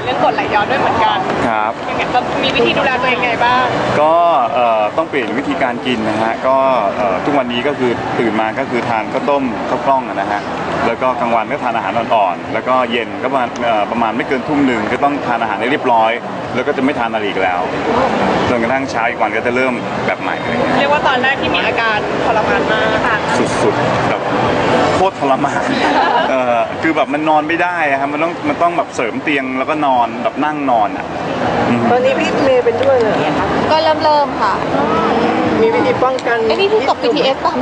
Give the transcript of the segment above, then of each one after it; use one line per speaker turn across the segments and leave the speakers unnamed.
เรื่องกรดไหลย้อนด้วยเหมือนกัน
ครับ
ยังไงเรามีวิธีดูแลตัวเองไงบ้าง
ก็ต้องเปลี่ยนวิธีการกินนะฮะก็ทุกวันนี้ก็คือตื่นมาก็คือทานข้าวต้มข้าวกล้องนะฮะแล้วก็กลางวันก็ทานอาหารอ่อนๆแล้วก็เย็นก็ประมาณไม่เกินทุ่มหนึ่งก็ต้องทานอาหารให้เรียบร้อยแล้วก็จะไม่ทานอะไรอีกแล้วจนกระทั่งเช้าอีกวันก็จะเริ่มแบบใหม่
เรียกว่าตอนแรกที่มีอาการทรมานมาก
สุดๆแบบโคตรทรมานคือแบบมันนอนไม่ได้ครับมันต้องแบบเสริมเตียงแล้วก็นอนแบบนั่งนอนอ่ะ
ตอนนี้พี่เมย์เป็นด้วยเลย
ก็เริ่มค่ะ
มีวิธีป้องกัน
ไอ้นี่ที่ตก BTS ป่ะ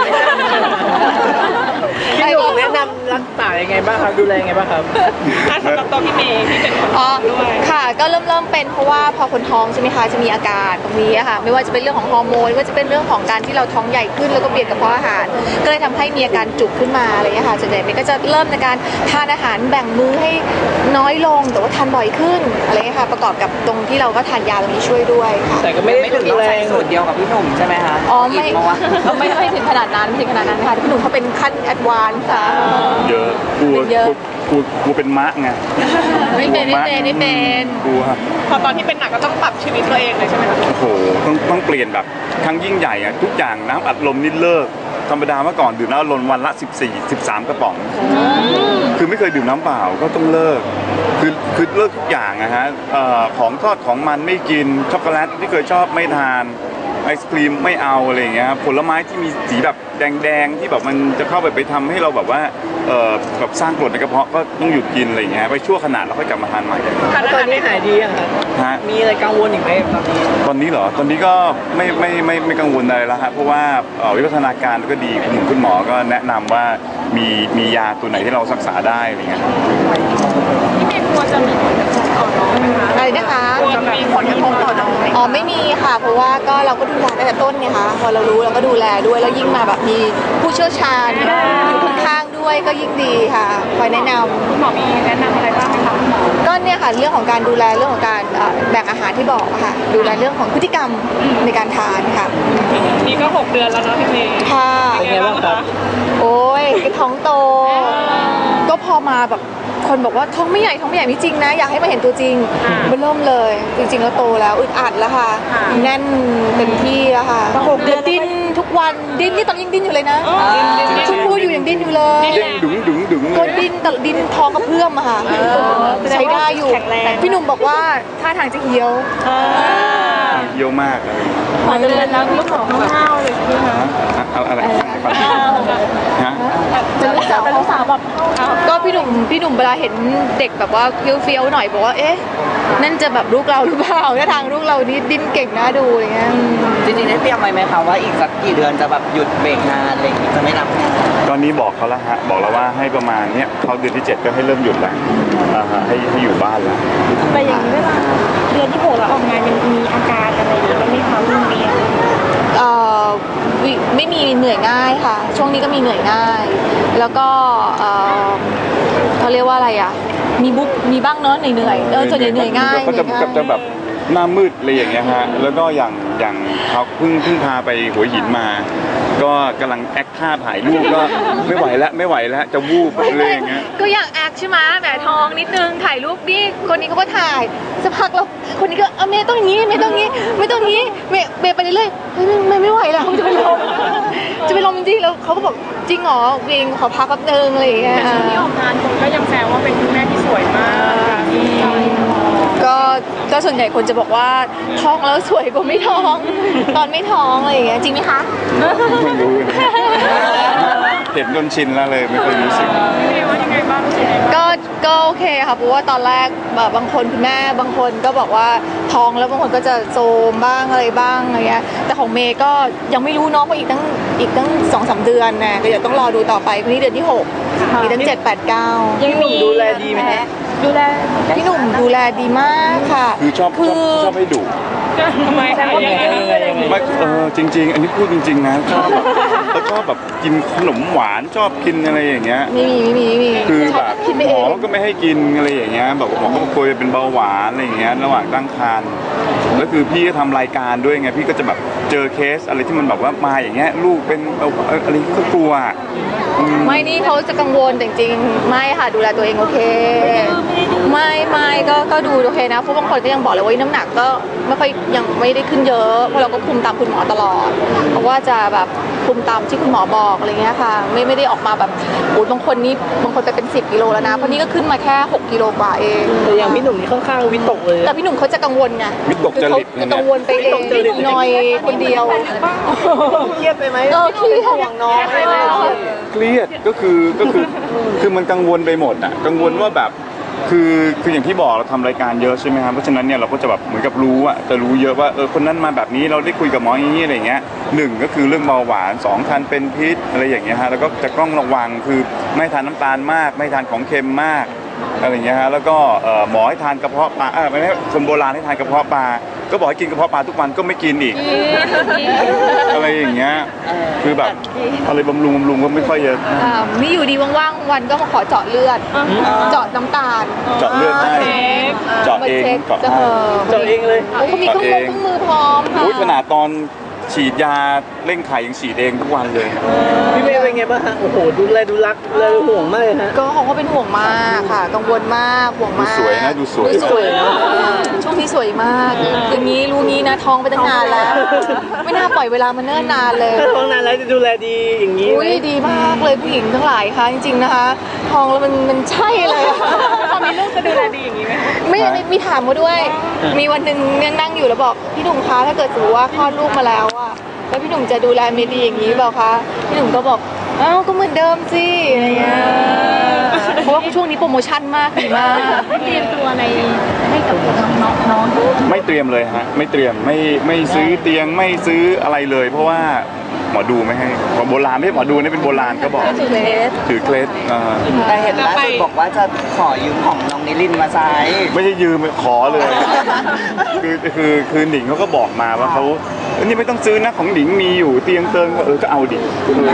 พี่หนุ่มแนะนำรักษายังไงบ้างครับดูแลยังไงบ้างครับ
สำหรับตัวพี่เมย์ที่เป็นคนท้องด้วย
ค่ะก็เริ่มเป็นเพราะว่าพอคนท้องใช่ไหมคะจะมีอาการตรงนี้ค่ะไม่ว่าจะเป็นเรื่องของฮอร์โมนไม่ว่าจะเป็นเรื่องของการที่เราท้องใหญ่ขึ้นแล้วก็เบียดกระเพาะอาหารก็เลยทำให้มีอาการจุกขึ้นมาอะไรอย่างเงี้ยค่ะส่วนใหญ่ก็จะเริ่มในการทานอาหารแบ่งมื้อให้น้อยลงแต่ว่าทานบ่อยขึ้นอะไรเงี้ยค่ะประกอบกับตรงที่เราก็ทานยาตรงนี้ช่วยด้วยค่ะ
แต่ก็ไม่ถึงต้องใช้สูตรเดียวกับพี่หนุ่มใช่ไหมคะ
อ๋อไม่ถึงขนาดนั้นไม่ถึงขนาดนั้นค่ะพี่หนุ่มเขาเป็นขั้นแอดวานซ์ค่ะ
เยอะกูเป็นมะไง
ไม่เป็น
กลัว
พอตอนที่เป็นหนักก็ต้องปรับชีวิตตัวเองเลยใช่ไหมคะ
โอ้โหต้องเปลี่ยนแบบครั้งยิ่งใหญ่อะทุกอย่างน้ำอัดลมนี่เลิกธรรมดาเมื่อก่อนดื่มน้ำอัดลมวันละ14-13 กระป๋องคือไม่เคยดื่มน้ำเปล่าก็ต้องเลิกคือเลิกทุกอย่างนะฮะของทอดของมันไม่กินช็อกโกแลตที่เคยชอบไม่ทานไอศครีมไม่เอาอะไรอย่างเงี้ยผลไม้ที่มีสีแบบแดงที่แบบมันจะเข้าไปทำให้เราแบบว่าแบบสร้างกรดในกระเพาะก็ต้องหยุดกินอะไรอย่างเงี้ยไปชั่วขณะแล้วค่อยกลับมาทานใหม่
ตอนนี้หายดียังครับมีอะไรกังวลอีกไหม
ตอนนี้เหรอตอนนี้ก็ไม่กังวลอะไรแล้วฮะเพราะว่าวิวัฒนาการก็ดีคุณหมอก็แนะนำว่ามียาตัวไหนที่เรารักษาได้อะไรเงี้ย
พี่เมย์กลัวจะมีผลกระทบต่อน้องไหมคะ
อะไรนะคะ
กลัวจะมีผลกระทบต่อน้อง
อ๋อไม่มีค่ะเพราะว่าก็เราก็ดูแลตั้งแต่ต้นไงคะพอเรารู้เราก็ดูแลด้วยแล้วยิ่งมาแบบมีผู้เชี่ยวชาญอยู่ข้างๆด้วยก็ยิ่งดีค่ะคอยแนะนำ
คุณหมอมีแนะนำอะไรบ้างไหมคะคุณหมอ
ก็เนี่ยค่ะเรื่องของการดูแลเรื่องของการแบ่งอาหารที่บอกค่ะดูแลเรื่องของพฤติกรรมในการทานค่ะ
นี่ก็6 เดือนแล้วเนาะพี่เมย์
ค่ะ
เป็นไงบ้างครับ
โอ้ยท้องโตก็พอมาแบบคนบอกว่าท้องไม่ใหญ่ไม่จริงนะอยากให้มาเห็นตัวจริงมันเริ่มเลยจริงๆแล้วโตแล้วอึดอัดแล้วค่ะแน่นเต็มที่แล้วค่ะ6 เดือนดิ้นทุกวันดิ้นนี่ตอนยังดิ้นอยู่เลยนะชุดพูดอยู่ยังดิ้นอยู่เลย
ดึง
ก็ดิ้นแต่ดิ้นท้องกระเพื่อมอะค่ะใช้ได้อยู่พี่หนุ่มบอกว่าท่าทางจะเหี่ยว
เยอะมาก
เดือนแล้วลูกของข้าวเลยใช่ไหมคะ
อะไรฮะ
จะลูกสาวแบบก็พี่หนุ่มเวลาเห็นเด็กแบบว่าเฟี้ยวๆหน่อยบอกว่าเอ๊ะนั่นจะแบบลูกเราหรือเปล่าถ้าทางลูกเรานี่ดิ้นเก่งน่าดูอะไรเงี้ย
จริงๆได้เตรียมไว้ไหมคะว่าอีกสักกี่เดือนจะแบบหยุดเบรกงานอะไรอย่างงี้จะไม่รับ
ตอนนี้บอกเขาแล้วฮะบอกแล้วว่าให้ประมาณเนี้ยเขาเดือนที่7ก็ให้เริ่มหยุดแล้วให้อยู่บ้านแล้ว
แต่อย่างนี้เวลาเดือนที่6แล้วออกงานมันมีอาการอะไรหรือไม่คะรุ่นเรียน
ไม่มีเหนื่อยง่ายค่ะช่วงนี้ก็มีเหนื่อยง่ายแล้วก็เขาเรียกว่าอะไรอ่ะมีบ้างเนอะเหนื่อยส่วนใหญ่เหนื่อยง่าย
ก็จะแบบหน้ามืดอะไรอย่างเงี้ยฮะแล้วก็อย่างเขาเพิ่งพาไปหัวหินมาก็กำลังแอคท่าถ่ายรูปก็ไม่ไหวแล้วจะวูบอะไรอย่างเงี้ย
ก็อยากแอคใช่ไหมแหมทองนิดนึงถ่ายรูปนี่คนนี้เขาก็ถ่ายสักพักแล้วคนนี้ก็เมย์ต้องอย่างนี้ไม่ต้องนี้เมย์ไปเรื่อยๆไม่ไหวแล้วจะเป็นลมจริงแล้วเขาก็บอกจริงเหรอเวงขอพักแป๊บนึงอะไรอย่างเงี้ย
ช่วงนี้ออกงานคนก็ยังแซวว่าเป็นคุณแม่ที่สวยมาก
ก็ส่วนใหญ่คนจะบอกว่าท้องแล้วสวยกว่าไม่ท้องตอนไม่ท้องอะไรอย่างเงี้ยจริงไหมคะ
ไม่รู้เห็นจนชินแล้วเลยไม่เคยรู้สึก
ว่ายังไงบ้าง
ก็โอเคค่ะเพราะว่าตอนแรกบางคนคุณแม่บางคนก็บอกว่าท้องแล้วบางคนก็จะโซมบ้างอะไรบ้างอะไรเงี้ยแต่ของเมย์ก็ยังไม่รู้น้องว่าอีกตั้ง2-3 เดือนนะก็เดี๋ยวต้องรอดูต่อไปวันนี้เดือนที่6มีตั้ง7, 8, 9
ยังหนุ่มดูแลดีไหมฮะ
พี่หนุ่มดูแลดีมากค่ะ
คือชอบให้ดุ
ทำไมคะยังไง
ไม่จริงๆ อันนี้พูดจริงๆนะชอบแบบแล้วก็แบบกินขนมหวานชอบกินอะไรอย่างเงี้ย
ไม่มี
คือ
ชอ
แบบ
คิดไป
หม
เอ
อง ก็ไม่ให้กินอะไรอย่างเงี้ยแบบหมอก็กลัวจะเป็นเบาหวานอะไรอย่างเงี้ยระหว่างตั้งครรภ์แล้วคือพี่ก็ทำรายการด้วยไงพี่ก็จะแบบเจอเคสอะไรที่มันแบบว่ามาอย่างเงี้ยลูกเป็นอะไรก็กลัว
ไม่นี่เขาจะกังวลแต่จริงๆไม่ค่ะดูแลตัวเองโอเค ไม่ก็ดูโอเคนะเพราะบางคนก็ยังบอกเลยว่าน้ำหนักก็ไม่ค่อยยังไม่ได้ขึ้นเยอะเพราะเราก็คุมตามคุณหมอตลอดเพราะว่าจะแบบคุมตามที่คุณหมอบอกอะไรเงี้ยค่ะไม่ได้ออกมาแบบโอ้บางคนไปเป็น10 กิโลแล้วนะเพราะนี่ก็ขึ้นมาแค่6 กิโลกว่าเอง
แต่อย่างพี่หนุ่มนี่ค่อนข้างวิตกเลย
แต่พี่หนุ่มเขาจะกังวลไง
วิตกจริต
คือเขาจะกังวลไปเองหน่อยคนเดียว
เครียดไปไหม
เครียด
ห่วงน้องอะไรไหม
เครียดก็คือมันกังวลไปหมดอ่ะกังวลว่าแบบคืออย่างที่บอกเราทำรายการเยอะใช่ไหมครับเพราะฉะนั้นเนี่ยเราก็จะแบบเหมือนกับรู้อะจะรู้เยอะว่าคนนั้นมาแบบนี้เราได้คุยกับหมออย่างนี้อะไรเงี้ยหนึ่งก็คือเรื่องเบาหวาน2ทานเป็นพิษอะไรอย่างเงี้ยฮะแล้วก็จะต้องระวังคือไม่ทานน้ำตาลมากไม่ทานของเค็มมากอะไรเงี้ยฮะแล้วก็หมอให้ทานกระเพาะปลาไม่ให้คนโบราณให้ทานกระเพาะปลาก็บอกให้กินกระเพาะปลาทุกวันก็ไม่กินอีกอะไรอย่างเงี้ยคือแบบอะไรบำรุงก็ไม่ค่อยเยอะ
นี่อยู่ดีว่างๆวันก็มาขอเจาะเลือดเจาะน้ำตาล
เจาะเลือดให้เจาะเอง
เจาะ
เจาะเองเลย
โอ้เขามีเครื่องมือพร้อมค่ะ
อุ้ยขนาดตอนฉีดยาเร่งไข่ยังฉีดเองทุกวันเลย
พี่เมย์เป็นไงบ้างฮะโอ้โหดูแลดูรักเลยห่วงมากเลยฮะ
ก็เขาก็เป็นห่วงมากค่ะ กังวลมากห่วง
ดู
มาก
สวยนะดูสวย
สวยเนอะ
ช่วงนี้สวยมากอย่างนี้รู้งี้นะท้องไปตั้งนานแล้ว ไม่น่าปล่อยเวลามาเนิ่นนานเลย
ถ้าท้องนานแล้วจะดูแลดีอย่างนี้ไห
อุ้
ม
ยดีมากเลยผู้หญิงทั้งหลายค่ะจริงๆนะคะท้องแล้วมันใช่เลยอะ
พอมีลูกจะดูแลดีอย่างนี้ไหม
ไม่มีถามมาด้วย มีวันหนึ่งยังนั่งอยู่แล้วบอกพี่หนุ่มคะถ้าเกิดสมมติว่าคลอดลูกมาแล้วอะแล้วพี่หนุ่มจะดูแลเมย์ดีอย่างนี้เปล่าคะพี่หนุ่มก็บอกอ้าวก็เหมือนเดิมสิอะไรเงี้ยเพราะว่าช่วงนี้โปรโมชั่นมากดีมาก
เตรียมตัวอะไรให้กับน้อง
ไม่เตรียมเลยฮะไม่เตรียมไม่ซื้อเตียงไม่ซื้ออะไรเลย เพราะว่าหมอดูไม่ให้หมอโบราณไม่ใช่หมอดูนี่เป็นโบราณก็บอก
ถือเลส
ถือเคล็ด
แต่เห็นล่าสุดบอกว่าจะขอยืมของน้องนิรินทร์มาใช้
ไม่ใช่ยืมขอเลย คือหนิงเขาก็บอกมาว่าเขานี่ไม่ต้องซื้อนะของหนิงมีอยู่เตียงเติงก็เอาดิ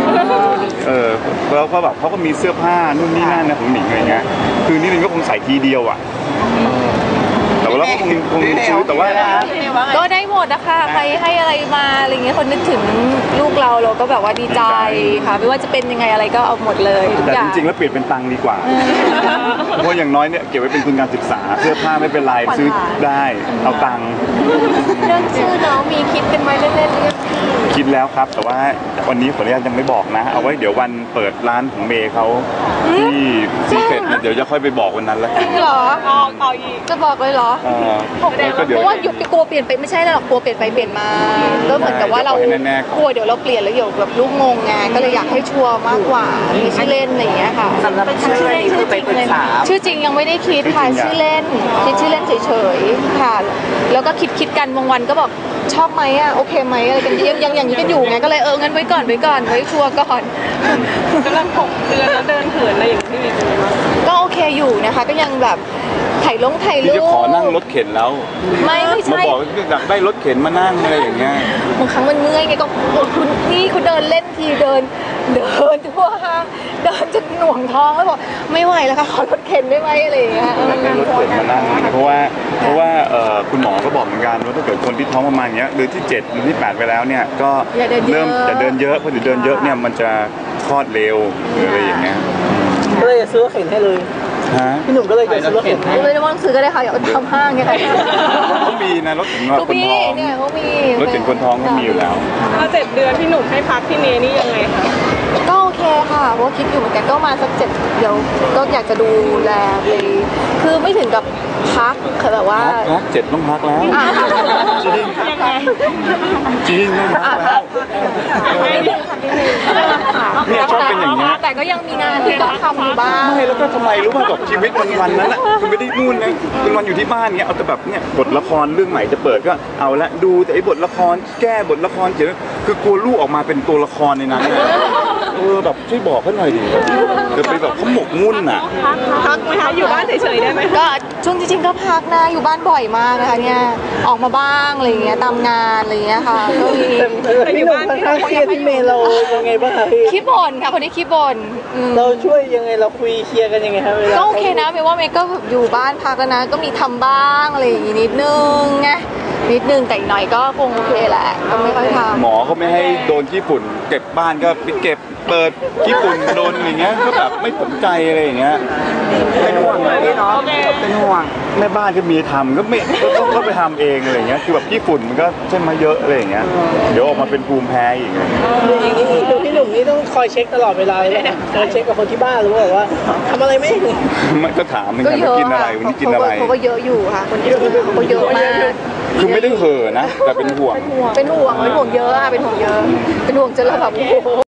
แล้วก็แบบเขาก็มีเสื้อผ้านู่นนี่นั่นนะของหนิงอะไรเงี้ยคือนิรินก็คงใส่ทีเดียวอ่ะแต่ว่าเราก็คงซื้อแต่ว่า
ก็ได้หมดนะคะใครให้อะไรมาอะไรเงี้ยคนนึกถึงลูกเราก็แบบว่าดีใจค่ะไม่ว่าจะเป็นยังไงอะไรก็เอาหมดเลยทุก
แต่
อย่า
จ
ง
ริงๆแล้วเปลี่ยนเป็นตังค์ดีกว่าเพราะอย่างน้อยเนี่ยเก็บไว้เป็นทุนการศึกษาเสื้อผ้าไม่เป็นไรซื้อได้เอาตังค์
เรื่องชื่อน้องมีคิดกันไหมเล่นๆเรื่อง
คิดแล้วครับ แต่ว่าวันนี้ขออนุญาตยังไม่บอกนะ เอาไว้เดี๋ยววันเปิดร้านของเมย์เขาที่ซีเฟตเดี๋ยวจะค่อยไปบอกวันนั้นแล้ว
จ
กัน
ริงเหรอ
เอาอีก
จะบอกเลยเหรอ
ก็เดี๋ยว
เพราะว่าหยุดกลัวเปลี่ยนไปไม่ใช่หรอกกลัวเปลี่ยนไปเปลี่ยนมาก็เหมือนกับว่าเรา
เดี๋ยวขอให้แน่ๆก่อน
กลัวเดี๋ยวเราเปลี่ยนแล้วเดี๋ยวแบบลูกงงไงก็เลยอยากให้ชัวร์มากกว่ามีชื่อเล่นอะไรอย่างเงี้ยค่ะ
สำหรับชื่อนี้คือไปปรึกษา
ชื่อจริงยังไม่ได้คิดค่ะชื่อเล่นคิดชื่อเล่นเฉยๆค่ะ แล้วก็คิดกันบางวันก็บอกชอบไหมอ่ะโอเคไหมอะไรกันยังอย่างนี้กันอยู่ไงก็เลยงั้นไว้ก่อนไว้ชัวร์ก่อน
กำลัง6 เดือนแล้วเดินเหินอะไรอย่างที่มีเลยมั้ย
ก็โอเคอยู่นะคะก็ยังแบบถ่ายรู
พี่จะ
ป
ขอนั่งรถเข็นแล้ว
ไม่
มา
ใช่
บอกว่าอยากได้รถเข็นมานั่งอะไรอย่างเงี้ย
บางครั้งมันเมื่อยไงก็คุณนี่คุณเดินเล่นทีเดินทั่วห้างเดินจนหน่วงท้องแล้วบอกไม่ไหวแล้วค่ะขอรถเข็นได้ไหมอะไรอย่างเงี้ย
อยากได้รถเข็นมานั่งเพราะว่าคุณหมอก็บอกเหมือนกันว่าถ้าเกิดคนที่ท้องประมาณเนี้ยเดือนที่7เดือนที่8ไปแล้วเนี่ยก็เริ่มจะเดินเยอะเพราะเดี๋ยวเดินเยอะเนี่ยมันจะคลอดเร็วหรืออะไรอย่างเงี้ย
ก็เลยจะซื้อรถเข็นให้เลย
ฮะ
พี่หนุ่มก็เลยจะซื้อรถเข็นให้
ไม่ได้ว่าซื้อก็ได้ค่ะอย่าทำห้างไงค่ะ
เขามีนะรถเข็นว่า
ก็
คน
มี
ท้อง
เนี่ยเขามี
รถเข็นคนท้องก็มีอยู่แล้ว
พอ7 เดือนพี่หนุ่มให้พักที่เมย์นี่ยังไงคะ
ก็โอเคค่ะเพราะว่าคิดอยู่เหมือนกันก็มาสัก7เดี๋ยวก็อยากจะดูแลเลยคือไม่ถึงกับพักคือแบบว่า
พัก7ต้องพักแล้ว
อ่ะ
จริง
ยังไง
จริงต้องพักแล้วเนี่ยชอบเป็นอย่างเงี้ย
แต่ก็ยังมีงานที่ต้องทำอยู่บ้าง
ไม่แล้วก็ทำไมรู้ป่ะแบบชีวิตวันนั้นอ่ะคือไม่ได้นู่นนะเป็นวันอยู่ที่บ้านเงี้ยเอาแต่แบบเนี่ยบทละครเรื่องใหม่จะเปิดก็เอาละดูแต่ไอ้บทละครแก้บทละครเขียนคือกลัวลูกออกมาเป็นตัวละครในนั้นแบบช่วยบอกเขาหน่อยดิเดี๋ยวไปแบบเขาหมกมุ่นอ่ะ
พักไหมคะอยู่บ้านเฉยๆได้ไหม
ก็ช่วงจริงๆก็พักนะอยู่บ้านบ่อยมากนะคะเนี่ยออกมาบ้างอะไรอย่างเงี้ยตามงานอะไรอย่างเงี้ยค่ะก็มี
พี่หนุ่มค่อนข้างเครียดพี่เมย์เรายังไงบ้างคะพี่
ขี้บ่นค่ะคนนี้ขี้บ่น
เราช่วยยังไงเราคุยเคลียร์กันยังไงครับเวลา
ก็โอเคนะเมย์ว่าเมย์ก็แบบอยู่บ้านพักแล้วนะก็มีทำบ้างอะไรอย่างงี้นิดนึงไงนิดนึงแต่อีกหน่อยก็คงโอเคแหละก็ไม่ค่อยทำ
หมอเขาไม่ให้โดนขี้ฝุ่นเก็บบ้านก็ไปเก็บเปิดขี้ฝุ่นโดนอย่างเงี้ยก็แบบไม่สนใจอะไรอย่างเงี้ย
เป็นห่วงไหมพี่เนาะเป็นห่วง
แม่บ้านก็มีทำก็ไม่ก็ไปทำเองอะไรอย่างเงี้ยคือแบบขี้ฝุ่นมันก็ใช่มาเยอะอะไรอย่างเงี้ยเดี๋ยวออกมาเป็นภูมิแพ้อีกอะไรอย่างเงี้ย
อย่างนี้คือพี่หนุ่มนี่ต้องคอยเช็คตลอดเวลาเลยนะคอยเช็คกับคนที่บ้านหรือว่าทำอะไรไม่
มันก็ถามเหมือน
ก็
กัน
เย
ว่า
อะ
กินอะไร
ค่ะ
วันนี้กินอะไร
เขาก็เยอะอยู่ค่ะคนที่เขาก็เยอะมาก
คือไม่ได้เห่อะนะแต่เป็นห่วง
เป็นห่วงเยอะค่ะเป็นห่วงเยอะเป็นห่วงจนเราแบบโอ้โห